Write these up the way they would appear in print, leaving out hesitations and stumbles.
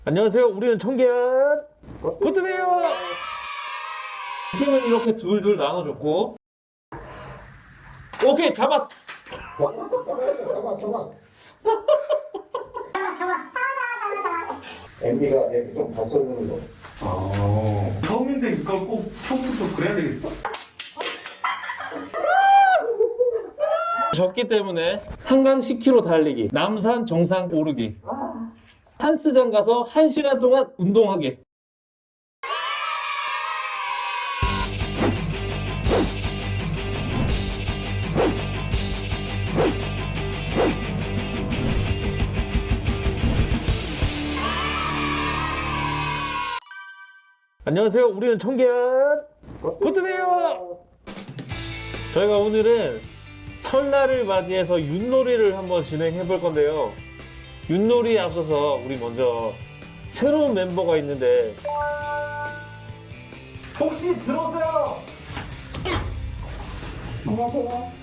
안녕하세요. 우리는 청계한 고트네요. 팀은 이렇게 둘둘 나눠줬고, 오케이 잡았어. 잠깐. MB가 좀 바꿔주는 거. 처음인데 이걸 꼭 처음부터 그래야 되겠어? 졌기 때문에 한강 10km 달리기, 남산 정상 오르기, 헬스장 가서 1시간 동안 운동하기. 안녕하세요. 우리는 청계한 고트네요. 저희가 오늘은 설날을 맞이해서 윷놀이를 한번 진행해 볼 건데요. 윷놀이에 앞서서 우리 먼저 새로운 멤버가 있는데 혹시 들어오세요. 안녕하세요.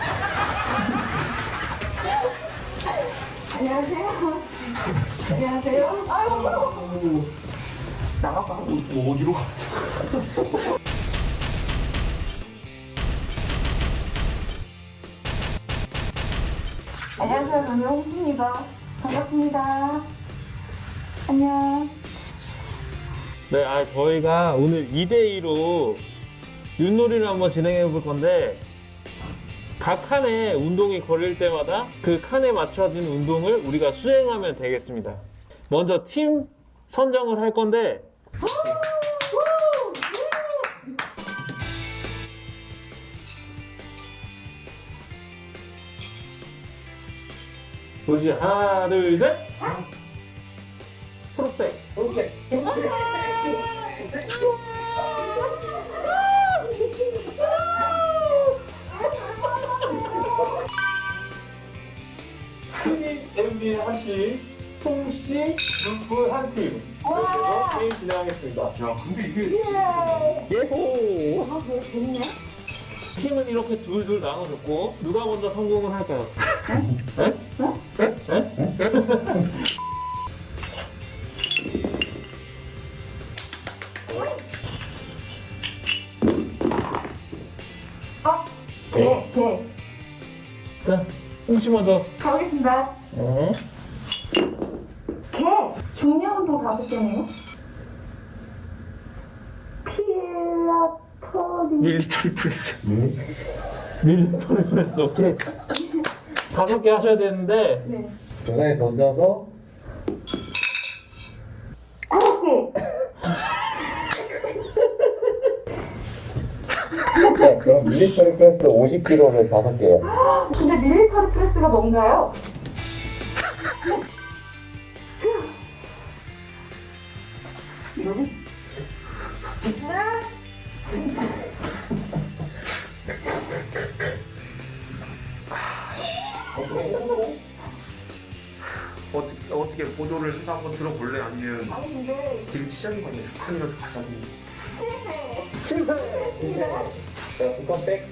안녕하세요. 안녕하세요. 아유. 나가봐. 어디로 가? 안녕하세요. 저는 홍수입니다. 반갑습니다. 안녕. 네, 저희가 오늘 2대2로 윷놀이를 한번 진행해 볼 건데 각 칸에 운동이 걸릴 때마다 그 칸에 맞춰진 운동을 우리가 수행하면 되겠습니다. 먼저 팀 선정을 할 건데 보시 하나 둘 셋. 초록색. 스님 MB 한 팀, 송씨 눈풀 한 팀. 그래서 게임 진행하겠습니다. 야 근데 이게 예호. 아, 뭐 재밌네. 팀은 이렇게 둘둘 나눠줬고 누가 먼저 성공을 할까요? 네? 네. 자, 홍씨 먼저. 가보겠습니다. 네. 개. 중량 운동 5개네요. 필라토리. 밀리터리 프레스. 밀리터리 프레스, 오케이. 5개 하셔야 되는데 네. 중간에 던져서 9개. 네, 그럼 밀리터리 프레스 50kg를 5개요. 근데 밀리터리 프레스가 뭔가요? 뭐지? 어떻게 보조를 해서 한번 들어볼래? 아니면 아니 근데 지금 시작인 건데 두 칸이라도 가자고. 실패. 자, 두칸 백.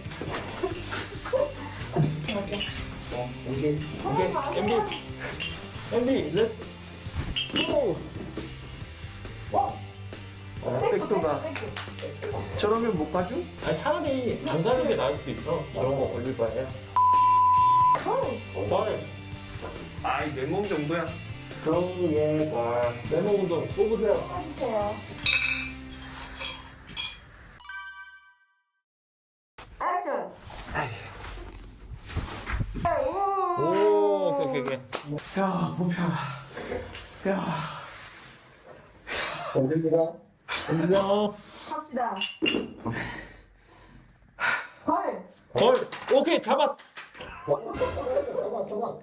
이게 MB 렛츠 고. 백도가 저러면 못 가죠? 아니 차라리 안 가는 게 나을 수도 있어. 이런 거 걸릴 바에야. 헐. 아이 내 몸 정도야. 그러게 봐. 메모 운동 뽑으세요. 해주세요. 액션. 오, 오케이. 야 목표. 야. 던집니다. 안녕. 합시다. 헐. 헐. 오케이 잡았어. 잠깐.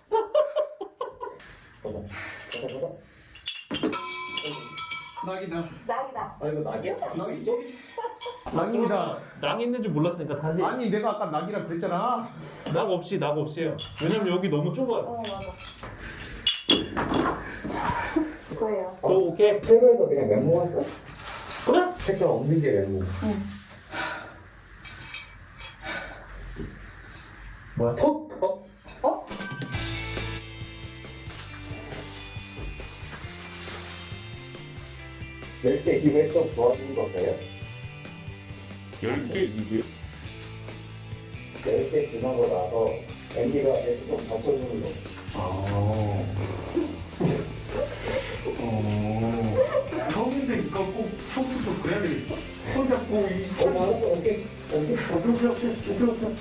낙이다. 낙이다. 아, 이거 낙이야? 낙이 저기. 낙입니다. 낭 있는 줄 몰랐으니까 다시. 아니 내가 아까 낙이라 그랬잖아. 낙 없이요. 왜냐면 여기 너무 좁아요. 맞아. 그거예요. 오, 오케이. 책에서 그냥 메모할 거야? 그래? 책장 없는 게 메모. 뭐야? 톡! 어? 10개 기부에 좀 도와주는 건가요? 10개 2개? 10개 지나고 나서 MD가 좀 바꿔주는 거. 처음인데 이거 꼭 처음부터 그래야 되겠어. 손 잡고 이 알았어, 오케이. 오케이.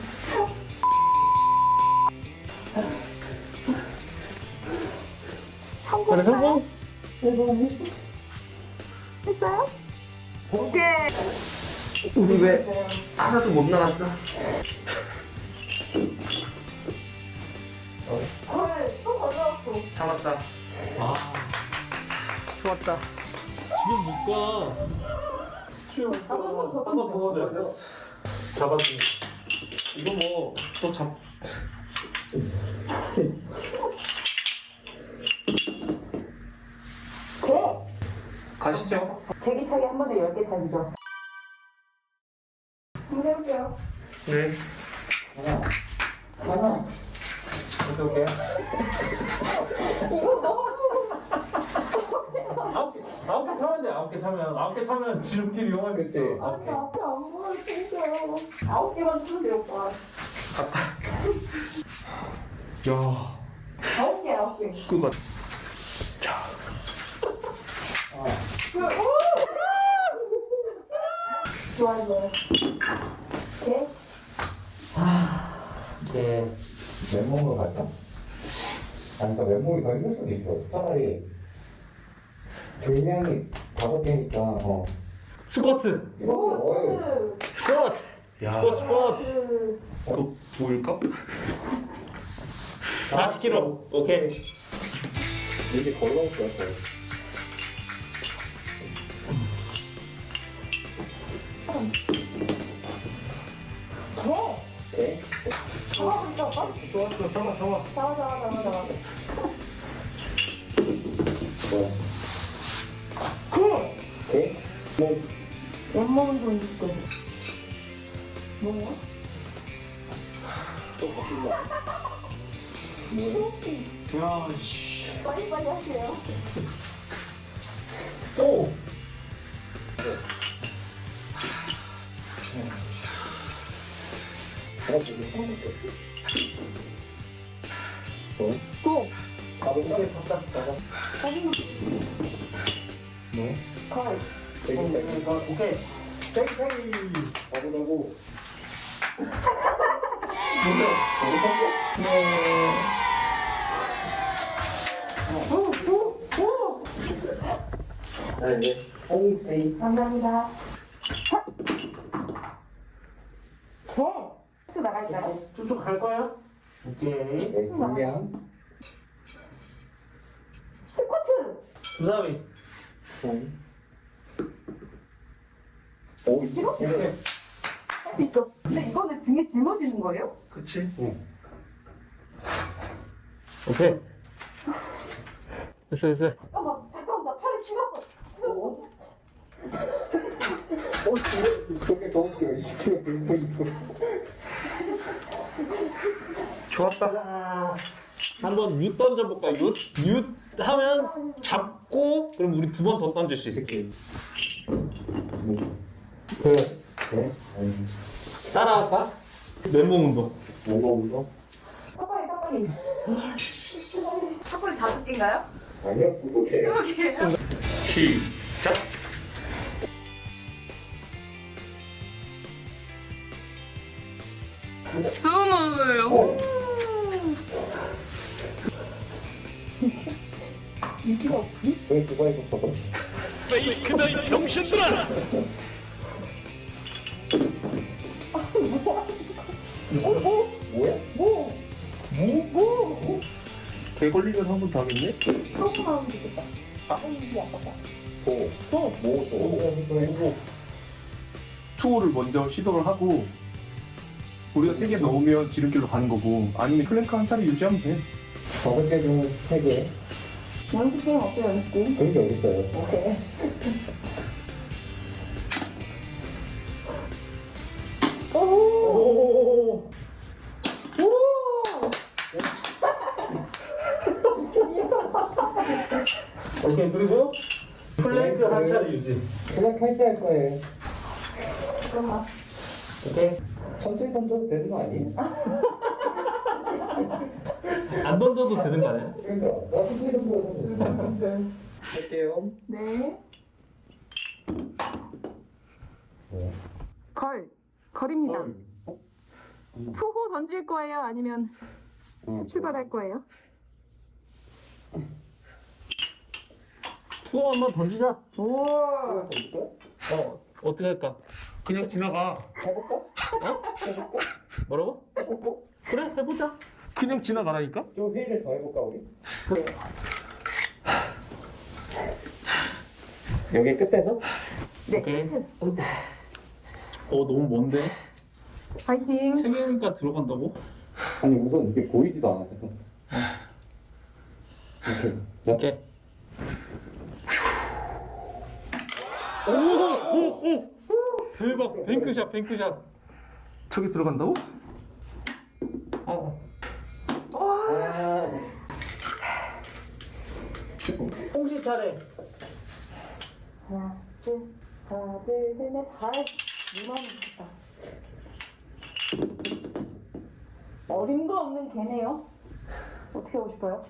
그래, 성공? 했어요? 오케이. 우리 왜 하나도 못 나갔어? 헐, 또 걸려왔어. 잡았다. 좋았다. 지금 못 가. 한번 더 넣어줘. 잡았지. 이거 뭐, 또 잡. 가시죠. 제기차기 한 번에 10개 차기죠. 한번 해볼게요. 네. 하나. 어떡해? 이거 너무 9개 차면 돼. 9개 차면. 9개 차면 지름길 이용할 수 있어. 그치. 아니, 앞에 안 보여도 진짜요. 9개만 주면 돼요, 오빠. 야. 9개. 그거. 좋아요. 오케이. 네. 맨몸으로 갈까? 아니, 그러니까 맨몸이 더 힘들 수도 있어. 차라리 분량이 5개니까, 스쿼트. 오, 스포츠. 스쿼트. 야. 스쿼트. 그거 보일까? 40kg. 오케이. 이게 걸어올 것 같아. 오케이. 잡아보니까 오빠? 좋았어. 잡아. 잡아. 뭐야? 오케이. 오케이? 뭐, 왼몸은 좀 있고. 뭐야? 또 바뀐다. 야, 씨. 빨리 하세요. 오! 되게 생각했지? 뭐? 또. 나도 이렇게 바짝 나가. 뭐? 거의. 되게 오케이. 땡땡이. 가보자고. 자, 이제 홍세이. 감사합니다. 쭉 나갈까요? 쭉쭉 갈 거야? 오케이. 네, 분량. 스쿼트! 그 다음에. 오, 이렇게? 이렇게. 할 수 있어. 근데 이거는 등에 짊어지는 거예요? 그치? 오케이. 됐어. 잠깐만, 나 팔이 죽었어. 그렇게 너무 웃겨. 20kg 들고 있고. 좋았다. 한번 윷 던져볼까? 윷? 윷 하면 잡고 그럼 우리 2번 더 던질 수 있어. 그래. 그래? 따라할까? 맨몸 운동. 뭔가 운동? 턱걸이. 턱걸이 5개인가요? 아니요, 20개. 20개예요? 시작. 유지가 없지? 왜 두번 했었어? 페이크다 이 병신들아! 뭐야? 개 걸리면 한 번 더 하겠네? 처음 하면 되겠다. 이게 아깝다. 뭐? 뭐? 투어를 먼저 시도를 하고 우리가 3개 넣으면 지름길로 가는 거고 아니면 플랭크 한 차례 유지하면 돼. 5개 중 3개. 연습 게임 없어요, 연습 게임? 그런 게 어딨어요? 오케이. 오! 오케이, 그리고 플랭크 한 차례 유지. 그냥 칼퇴할 거예요. 잠깐만. 오케이. 천천히 던져도 되는 거 아니에요? 안 던져도 되는 거 아니야? 그러니까 나 천천히 던져도 돼. 할게요. 네. 네. 걸입니다. 투호 던질 거예요? 아니면 출발할 거예요? 투어 한번 던지자. 오. 어떻게 할까? 그냥 지나가. 해볼까? 뭐라고? 그래, 해보자. 그냥 지나가라니까? 좀 회의를 더 해볼까 우리? 여기 끝에서? 네. 오케이. 너무 먼데? 파이팅. 세 개니까 들어간다고? 아니 우선 이게 보이지도 않아서. 이렇게. 자, 오케이. 오! 대박! 뱅크샷, 뱅크샷. 저기 들어간다고? 어. 아, 홍시 차례. 하나, 둘, 셋, 넷, 이만 있다. 어림도 없는 개네요. 어떻게 하고 싶어요?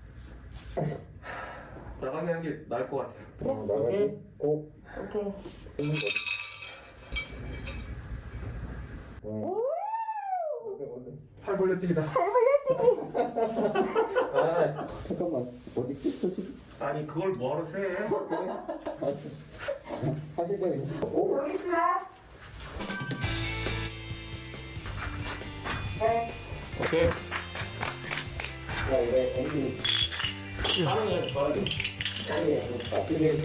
나가는 게 나을 것 같아. 오케이. 오. 오케이. 팔 벌려뛰기다. 아, 잠깐만. 어디 끝이? 아니 그걸 뭐하러 세? 하시대요. 오. 여기 있으라. 네. 오케이. 야, 우리 언니. 빠르게, 빠르게. 나쁘게.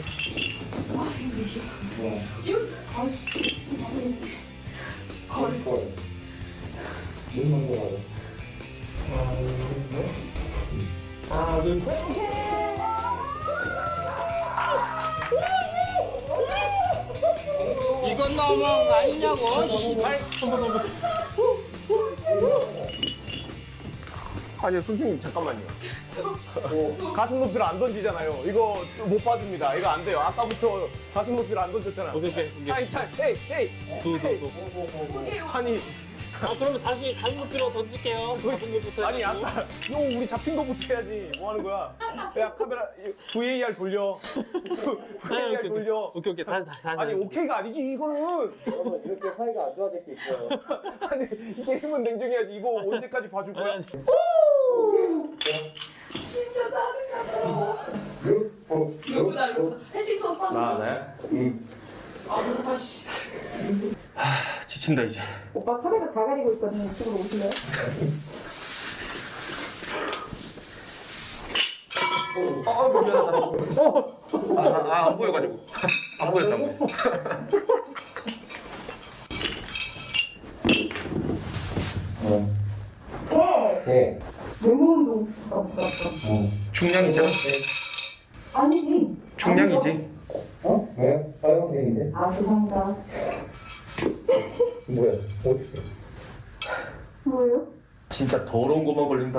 걸. 물 먹는 거 맞아. 하나, 둘, 셋. 이건 너무한 거 아니냐고, 씨발. 아니요 선생님 잠깐만요. 가슴 높이를 안 던지잖아요. 이거 못 받습니다. 이거 안 돼요. 아까부터 가슴 높이를 안 던졌잖아. 오케이, 오케이. 타임 타임 헤이 헤이. 두. 아니 그러면 다시 가슴 높이로 던질게요. 가슴 높이부터 아니 해가지고. 아까 형 우리 잡힌 거부터 해야지. 뭐 하는 거야? 야 카메라 VAR 돌려. VAR 돌려. 오케이. 다시. 아니 오케이가 아니지 이거는. 여러분, 이렇게 사이가 안 좋아질 수 있어요. 아니 이 게임은 냉정해야지. 이거 언제까지 봐줄 거야? 진짜 짜증나. 육. 이거보다 할 수 있어, 오빠. 네. 아, 오빠 씨. 지친다 이제. 오빠 카메라 다 가리고 있거든요. 이쪽으로 오실래요? 미안하다. 안 보여가지고. 안 보였어. 네. 외모 운동. 중량이잖아. 아니지. 중량이지. 어? 왜? 빨간색인데? 아, 죄송합니다. 뭐야? 어딨어? 뭐예요? 진짜 더러운 것만 걸린다.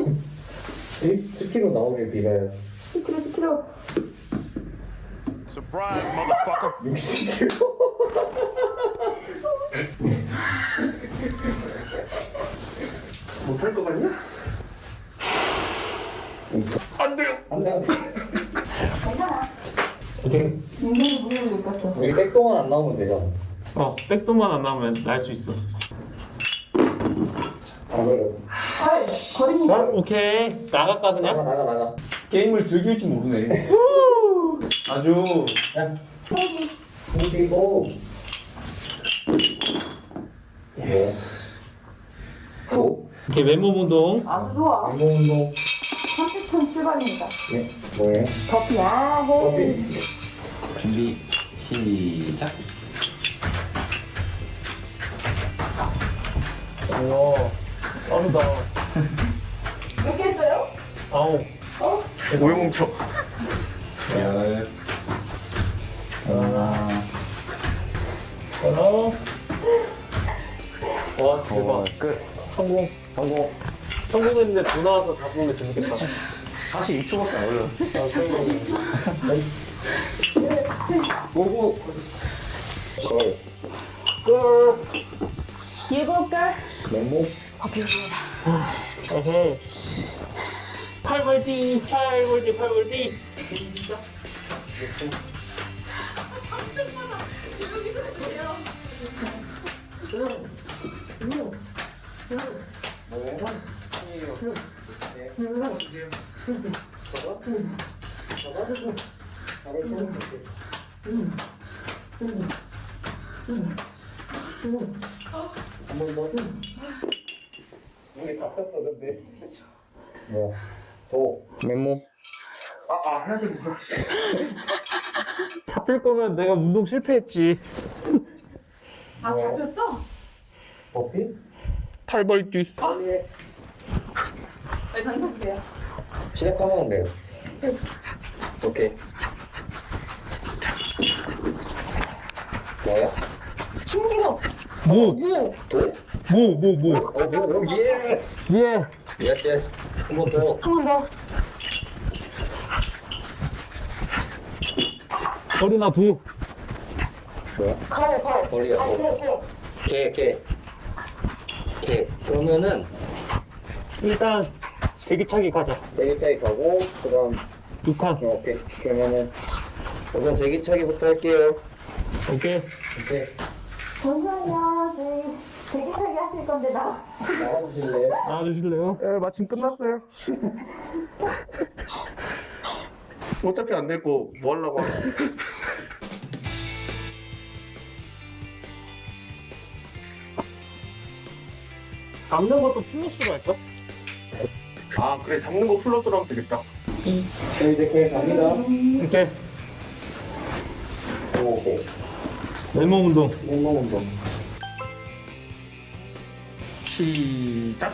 10kg 나오길 빌어요. 10kg. Surprise, motherfucker. 60kg? 못할 것 같냐? 안 돼요. 안 돼, 안 돼. 괜찮아. 오케이. 굉장히 무리를 못 갔어. 여기 백동안 안 나오면 되잖아. 백도만 안 나오면 날 수 있어. 안 걸렸어. 거리니까. 오케이. 나갈까 그냥? 나가. 게임을 즐길 줄 모르네. 아주. 야, 페이지. 움직이고. 예스. 오. 오케이, 맨몸 운동. 아주 좋아. 운동, 운동. 30분 출발입니다. 네, 뭐예요? 커피야. 헤이. 준비 시작. 우와, 빠르다. 몇 개 했어요? 9. 오용 멈춰. 열. 하나. 하나. 와, 대박. 끝. 성공. 성공. 성공했는데 돈 나와서 잡으면 재밌겠다. 42초밖에 안 걸려. 아, 성공. 오구. 걸. 7걸. 맨몸. 에헤. 8벌디, 8벌디, 8벌디. 시작. 우리 다 썼어 근데. 뭐. 도. 맨몸. 잡힐 거면 내가 운동 실패했지. 아, 잡혔어? 버피? 8벌디. 네, 던져주세요. 시작하면 돼요. 오케이. 뭐야? 뭐? 도? 뭐? 예. 예. 예스 예스. 한 번 더. 한 번 더. 어른아 두. 뭐야? 걸. 벌이야. 어. 개. 그러면은 일단 제기차기 가자. 제기차기 가고 그다음 6칸. 오케이. 그러면은 우선 제기차기부터 할게요. 오케이. 오케이. 잠시만요. 저희 대기차기 하실 건데 나와주실래요? 나와주실래요? 예, 마침 끝났어요. 어차피 안 될 거 뭐 하려고 하나. 잡는 것도 플러스로 할까? 아, 그래. 잡는 거 플러스로 하면 되겠다. 네, 이제 개 갑니다. 오케이. 오케이. 맨몸 운동. 맨몸 운동. 시작.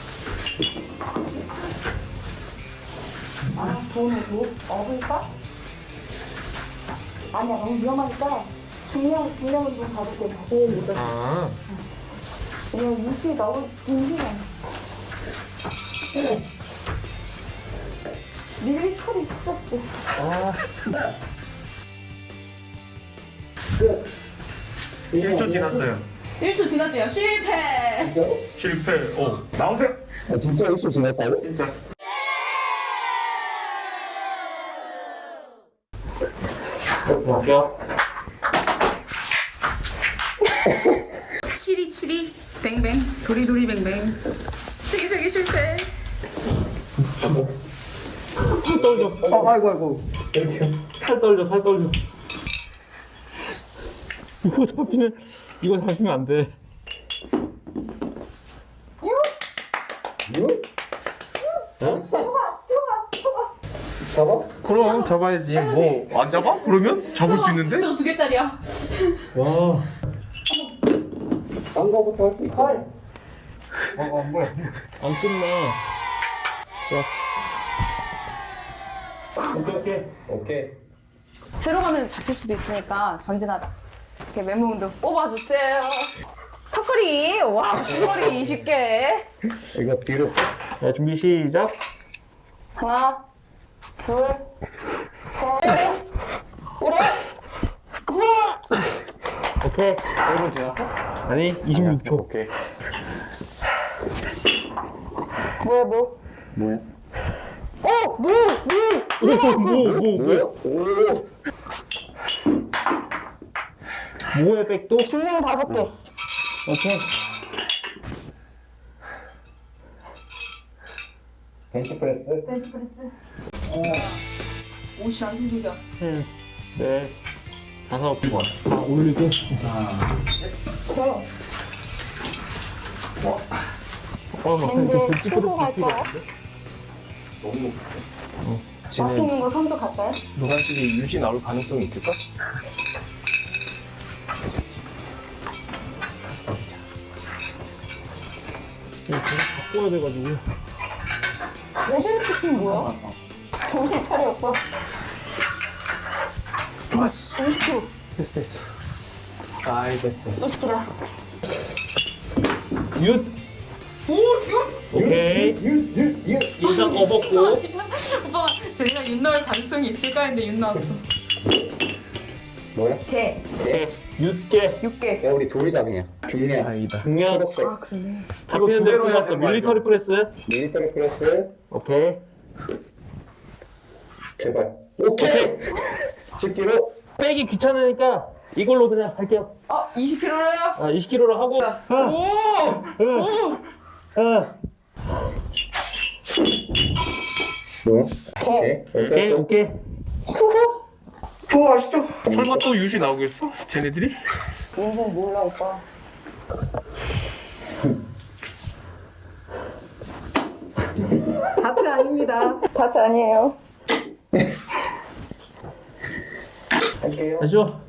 아, 돈을 업을까? 아니야, 너무 위험하니까 중량은 좀 받을게. 아. 왜냐면 무시 너무 힘이야. 밀리터리 스트레스. 끝. 1초 지났어요. 1초 지났대요. 실패. 실패. 나오세요. 아, 진짜 1초 지났다고? 진짜. 볼게요. 치리치리 뱅뱅 도리도리 뱅뱅 체기체기 실패. 살 떨려. 아이고. 살 떨려. 이거 잡히면 안 돼. 잡아? 그럼 잡아야지. 뭐 안 잡아? 그러면 잡을 수 있는데? 저거 2개짜리야. 와. 딴 거부터 할 수 있어. 뭐야. 안 끝나. 좋았어. 오케이. 오케이. 새로 가면 잡힐 수도 있으니까 전진하자. 이렇게 맨몸 운동 뽑아주세요. 턱걸이 와 턱걸이 20개. 이거 뒤로. 자, 준비 시작. 하나 둘 오케이. 1분 지났어? 아니, 26초. 오케이. 뭐야 뭐? 뭐야? 뭐? 뭐야? 오. 뭐야, 백도? 중량 5개. 오케이. 벤치프레스. 옷이 안 힘들죠? 네. 5, 다 올리고. 밴드 치고 갈까요? 너무 앞에 있는 거 선도 갈까요? 노란색이 유시 나올 가능성이 있을까? 계속 바꿔야 돼가지고. 레벨 피칭 뭐야? 정신 차려 오빠. 좋았어. 20kg. 됐어. 아이 됐어. 20kg. 윷. 오케이. 일단 업었고. 오빠 저희가 윤 나올 가능성이 있을까 했는데 윤 나왔어. 뭐야? 개. 개. 육개. 6개. 야, 우리 돌잡이야. 중량. 다행이다. 중량. 초록색. 아, 그러네. 잡히는 데 두 개로 해야 뽑았어. 되는 거 밀리터리 알죠? 프레스. 밀리터리 프레스. 오케이. 제발. 오케이. 10kg. 빼기 귀찮으니까 이걸로 그냥 할게요. 20kg로요? 20kg로 하고. 뭐야? 개. 오케이, 오케이. 좋아, 맛있죠? 설마 또 유시 나오겠어? 쟤네들이? 인생 몰라, 오빠. 다트 아닙니다. 다트 아니에요. 할게요. 다시요.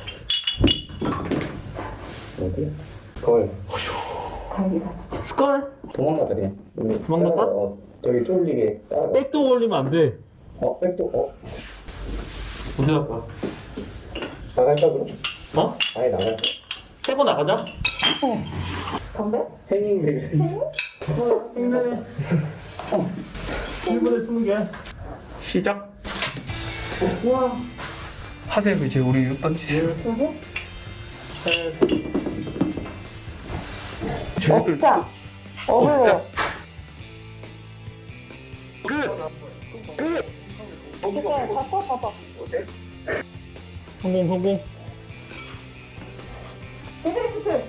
어디? 걸. 다행이다, 진짜. 스컬. 도망가자 그냥. 도망갈까? 따라가. 저기 쫄리게 따라가. 백도 올리면 안 돼. 백도. 어디 갈까? 나갈까 그럼? 어? 아예 나갈까? 세고 나가자. 건배? 해닝 1분에 20개. 시작. 우와. 하세요. 이제 우리 이거 던지세요. 쟤네들 억자. 억을. 제가 봤어? 봐봐. 성공. 헤드리프트.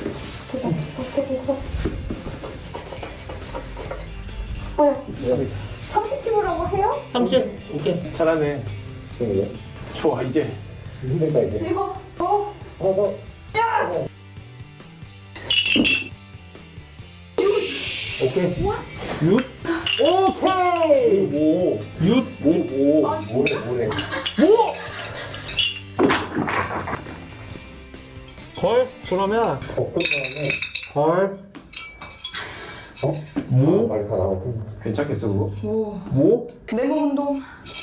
30kg라고 해요? 30. 오케이. 잘하네. 네. 좋아 이제. 힘들다 이제. 그리고 하나 더. 오케이. 6. 오케이. 6. 아, 진짜? 모래. 걸. 그러면 덮은 다음에 걸. 뭐? 빨리 다 나오고. 괜찮겠어 그거? 모. 내몸 운동.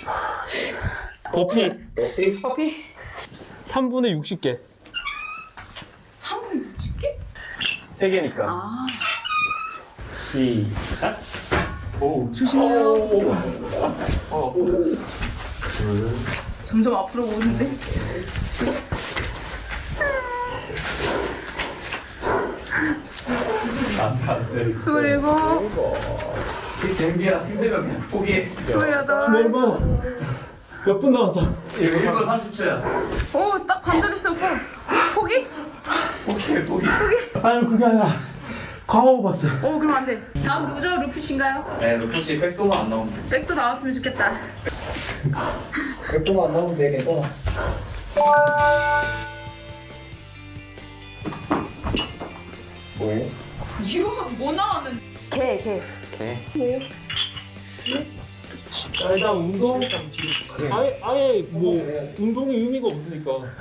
버피. 어디? 커피. 3분의 60개. 3분 60개? 3개니까. 아, 시작. 조심해요. 점점 앞으로 오는데? 스물일곱, 그 재미야. 힘들면 그냥 포기해. 스물여덟. 1분 남았어. 1분 30초야. 오, 딱 반절했어, 오빠. 포기? 포기해, 포기. 아니 그게 아니라 광어 봤어. 오, 그럼 안 돼. 다음 누구죠? 루프씨인가요? 네, 루프씨 백도만 안 나오면 돼. 백도 나왔으면 좋겠다. 몇 분만 안 나오면 돼, 괜찮아. 뭐해? 이거 뭐 나왔는데? 개. 개. 일단 운동. 아예 뭐 운동이 의미가 없으니까.